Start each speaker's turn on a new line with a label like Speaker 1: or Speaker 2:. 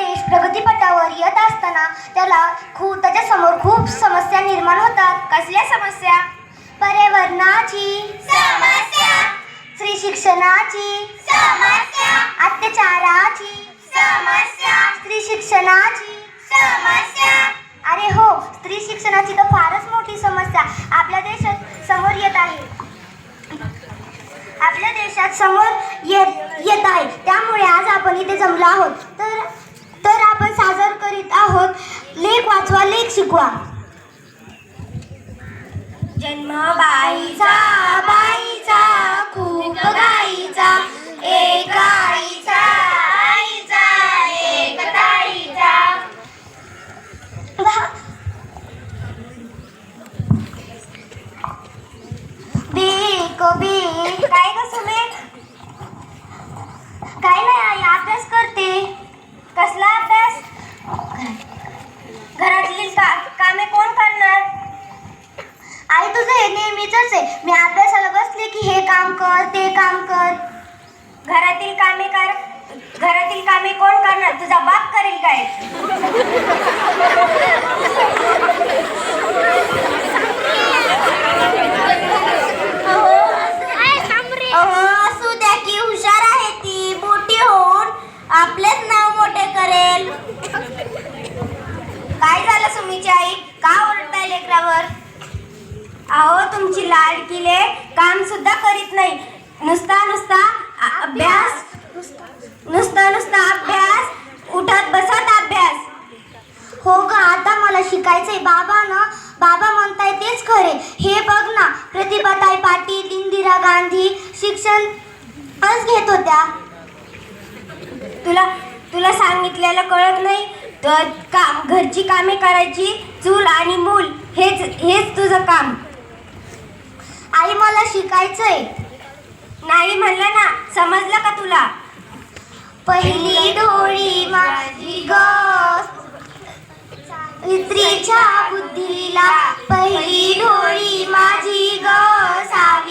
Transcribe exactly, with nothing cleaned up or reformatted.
Speaker 1: देश प्रगतीपथावर येत असताना त्याला खूप त्याच्यासमोर खूप समस्या निर्माण होतात.
Speaker 2: कसल्या समस्या?
Speaker 1: पर्यावरणाची
Speaker 2: समस्या,
Speaker 1: स्त्री शिक्षणाची
Speaker 2: समस्या,
Speaker 1: अत्याचाराची
Speaker 2: समस्या,
Speaker 1: स्त्री शिक्षणाची
Speaker 2: समस्या.
Speaker 1: अरे हो, स्त्री शिक्षणाची तर फारच मोठी समस्या आपल्या देशात समोर येत आहे. आपल्या देशात समोर येत येत आहे त्यामुळे आज आपण इथे जमलो आहोत. तर तर आपण सादर करीत आहोत लेख वाचवा लेख शिकवा.
Speaker 2: जन्म बाईचा बाईचा खूप गाईचा, एक आईचा आईचा एक ताईचा.
Speaker 1: बेक बेक
Speaker 2: काय ग सुमे?
Speaker 1: काय नाही आई, अभ्यास करते.
Speaker 2: कसला अभ्यास? घरातली का, कामे कोण करणार?
Speaker 1: आई तुझं हे नेहमीच आहे, मी अभ्यासाला बसले की हे काम कर ते काम कर.
Speaker 2: घरातील कामे कर. घरातील कामे कोण करणार? तुझा बाप करेल काय?
Speaker 1: अहो, असू द्या की, हुशार आहे ती, मोठी होऊन आपलेच नाव मोठे करेल.
Speaker 2: काय झालं सुमीची आई? का ओरडताय लेकरावर? अहो, तुमची लाडकीले काम सुद्धा करीत नाही. नुसता नुसता अ- अभ्यास नुसता नुसता अभ्यास, उठत बसत अभ्यास.
Speaker 1: हो ग, आता मला शिकायचंय. बाबा ना बाबा म्हणताय तेच खरे. हे बघ ना, प्रतिभाताई पाटील, इंदिरा गांधी शिक्षणच घेत होत्या.
Speaker 2: तुला तुला सांगितलेलं कळत नाही? तर काम, घरची कामे करायची, चूल आणि मूल हेच हेच तुझं काम.
Speaker 1: आई मला शिकायचंय.
Speaker 2: नाही म्हणलं ना, समजलं का तुला?
Speaker 1: पहिली डोळी माझी ग स्त्रीच्या बुद्धीला, पहिली डोळी माझी ग सावी